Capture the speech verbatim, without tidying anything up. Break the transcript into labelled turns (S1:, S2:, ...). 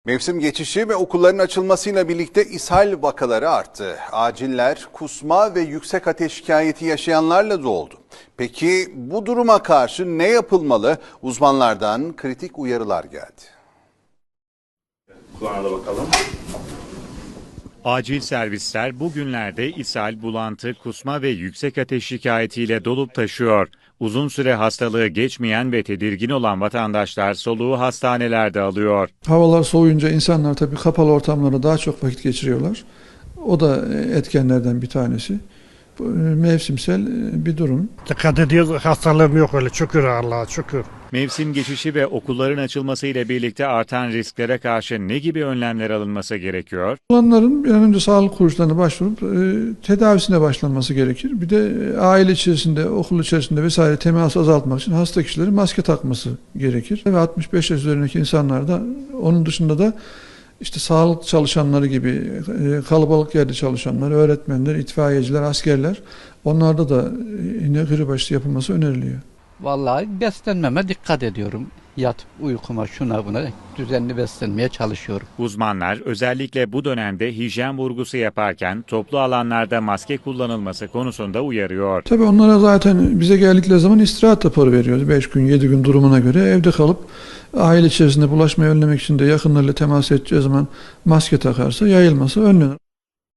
S1: Mevsim geçişi ve okulların açılmasıyla birlikte ishal vakaları arttı. Aciller, kusma ve yüksek ateş şikayeti yaşayanlarla doldu. Peki bu duruma karşı ne yapılmalı? Uzmanlardan kritik uyarılar geldi.
S2: Kulağına da bakalım.
S3: Acil servisler bugünlerde ishal, bulantı, kusma ve yüksek ateş şikayetiyle dolup taşıyor. Uzun süre hastalığı geçmeyen ve tedirgin olan vatandaşlar soluğu hastanelerde alıyor.
S4: Havalar soğuyunca insanlar tabii kapalı ortamlarda daha çok vakit geçiriyorlar. O da etkenlerden bir tanesi. Bu mevsimsel bir durum.
S5: Dikkat ediyoruz, hastalığım yok öyle, şükür Allah'a şükür.
S3: Mevsim geçişi ve okulların açılması ile birlikte artan risklere karşı ne gibi önlemler alınması gerekiyor?
S4: Olanların bir an önce sağlık kuruluşlarına başvurup e, tedavisine başlanması gerekir. Bir de e, aile içerisinde, okul içerisinde vesaire teması azaltmak için hasta kişilerin maske takması gerekir. Ve altmış beş yaş üzerindeki insanlar da, onun dışında da işte sağlık çalışanları gibi e, kalabalık yerde çalışanlar, öğretmenler, itfaiyeciler, askerler, onlarda da e, yine grip aşısı yapılması öneriliyor.
S6: Vallahi beslenmeme dikkat ediyorum. Yatıp uykuma, şuna buna düzenli beslenmeye çalışıyorum.
S3: Uzmanlar özellikle bu dönemde hijyen vurgusu yaparken toplu alanlarda maske kullanılması konusunda uyarıyor.
S4: Tabii onlara zaten bize geldikleri zaman istirahat raporu veriyoruz. beş gün, yedi gün durumuna göre evde kalıp aile içerisinde bulaşmayı önlemek için de yakınlarıyla temas edeceği zaman maske takarsa yayılması önlenir.